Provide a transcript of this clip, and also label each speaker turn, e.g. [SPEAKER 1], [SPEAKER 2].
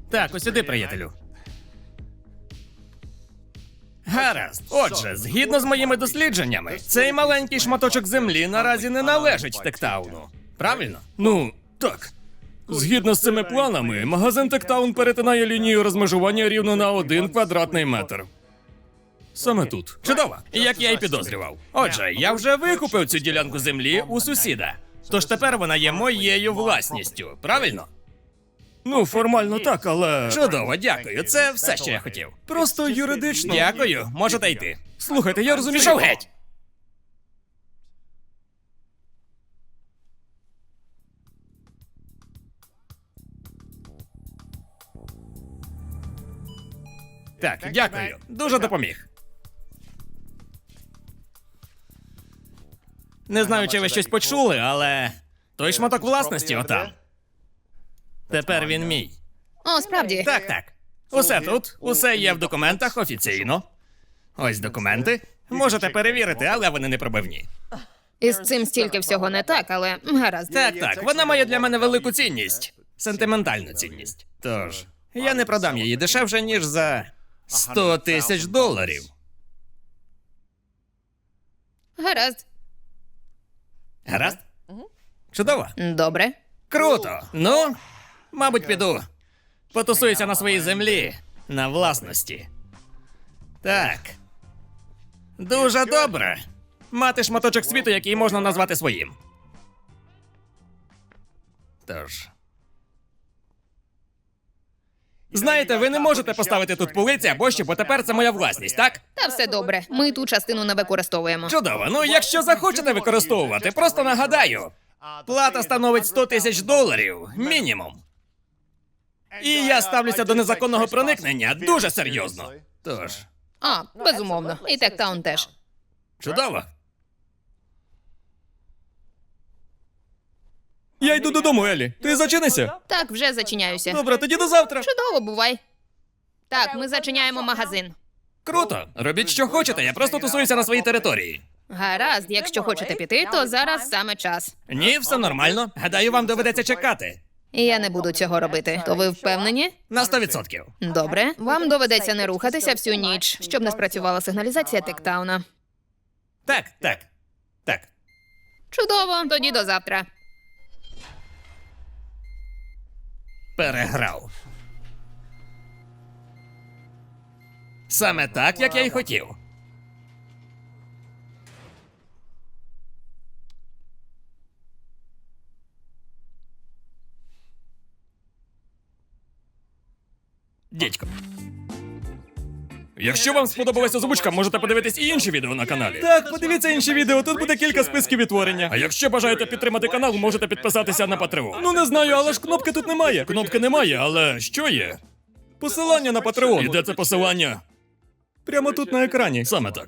[SPEAKER 1] Так, ось сюди, приятелю. Гаразд. Отже, згідно з моїми дослідженнями, цей маленький шматочок землі наразі не належить Тектауну. Правильно? Ну, так. Згідно з цими планами, магазин Тектаун перетинає лінію розмежування рівно на 1 квадратний метр. Саме тут. Чудово, як я й підозрював. Отже, я вже викупив цю ділянку землі у сусіда. Тож тепер вона є моєю власністю, правильно? Ну, формально так, але. Чудово, дякую. Це все, що я хотів. Просто юридично. Дякую, можете йти. Слухайте, я розумію. Пішов геть! Так, дякую. Дуже допоміг. Не знаю, чи ви щось почули, але той шматок власності отам. Тепер він мій.
[SPEAKER 2] О, справді.
[SPEAKER 1] Так, так. Усе тут, усе є в документах офіційно. Ось документи. Можете перевірити, але вони не пробивні.
[SPEAKER 2] Із цим стільки всього не так, але гаразд.
[SPEAKER 1] Так, так, вона має для мене велику цінність. Сентиментальну цінність. Тож, я не продам її дешевше, ніж за 100 тисяч доларів.
[SPEAKER 2] Гаразд.
[SPEAKER 1] Гаразд? Чудово.
[SPEAKER 2] Добре.
[SPEAKER 1] Круто. Ну, мабуть, піду. Потусуюся на своїй землі, на власності. Так. Дуже добре. Мати шматочок світу, який можна назвати своїм. Тож. Знаєте, ви не можете поставити тут полиці або що, бо тепер це моя власність, так?
[SPEAKER 2] Та все добре. Ми ту частину не використовуємо.
[SPEAKER 1] Чудово. Ну, якщо захочете використовувати, просто нагадаю. Плата становить 100 тисяч доларів, мінімум. І я ставлюся до незаконного проникнення дуже серйозно. Тож,
[SPEAKER 2] А, безумовно. І Тектаун теж.
[SPEAKER 1] чудово. Я йду додому, Елі. Ти зачинися?
[SPEAKER 2] Так, вже зачиняюся.
[SPEAKER 1] Добре, тоді до завтра.
[SPEAKER 2] Чудово, бувай. Так, ми зачиняємо магазин.
[SPEAKER 1] Круто. Робіть, що хочете, я просто тусуюся на своїй території.
[SPEAKER 2] Гаразд, якщо хочете піти, то зараз саме час.
[SPEAKER 1] Ні, все нормально. Гадаю, вам доведеться чекати.
[SPEAKER 2] Я не буду цього робити. То ви впевнені?
[SPEAKER 1] На 100%.
[SPEAKER 2] Добре. Вам доведеться не рухатися всю ніч, щоб не спрацювала сигналізація Тектауна.
[SPEAKER 1] Так, так. Так.
[SPEAKER 2] Чудово, тоді до завтра.
[SPEAKER 1] Переграв. Саме так, як я й хотів. Дідько. Якщо вам сподобалася озвучка, можете подивитись і інші відео на каналі. Так, подивіться інші відео, тут буде кілька списків відтворення. А якщо бажаєте підтримати канал, можете підписатися на Patreon. Ну не знаю, але ж кнопки тут немає. Кнопки немає, але що є? Посилання на Patreon. І де це посилання? Прямо тут на екрані. Саме так.